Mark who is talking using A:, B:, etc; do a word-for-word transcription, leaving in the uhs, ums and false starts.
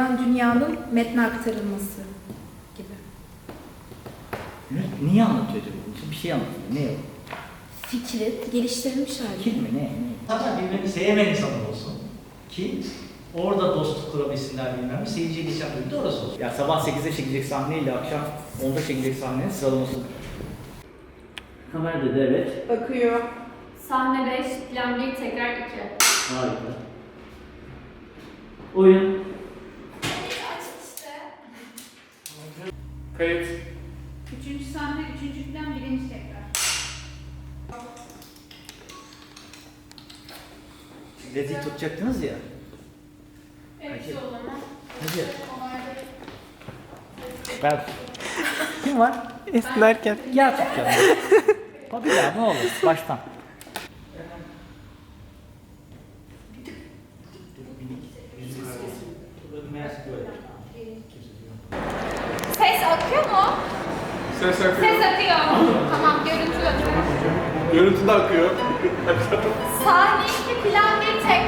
A: Yalan Dünya'nın metne aktarılması gibi.
B: Ne, niye anlatıyor acaba? Bir şey anlatıyor. Ne o?
A: Fikri geliştirilmiş hali.
B: Kim mi? Ne? ne?
C: Zaten birbirini sevmeyen insanlar olsun ki orada dostluk kurabilsinler bilmem ne. Seyirciye geçen bölümde orası olsun.
B: Ya sabah sekizde çekilecek sahneyle akşam onda çekilecek sahnenin sıralaması. Kamera dedi evet.
A: Bakıyor.
D: Sahne beş, plan bir, tekrar iki.
B: Harika. Oyun.
E: Kayıt.
F: Üçüncü sahne, üçüncü plan, birinci tekrar.
B: Dediği tutacaktınız ya.
D: Evet,
B: Hadi.
D: o zaman.
B: Hadi. Ben. Kim var?
E: Esnerken.
B: Gel tutacağım. Ha bir daha ne olur baştan.
D: Ses akıyor mu?
E: Ses akıyor.
D: Ses akıyor. Tamam, görüntü akıyor.
E: Görüntü de akıyor.
D: Sahne iki, plan bir, tekrar.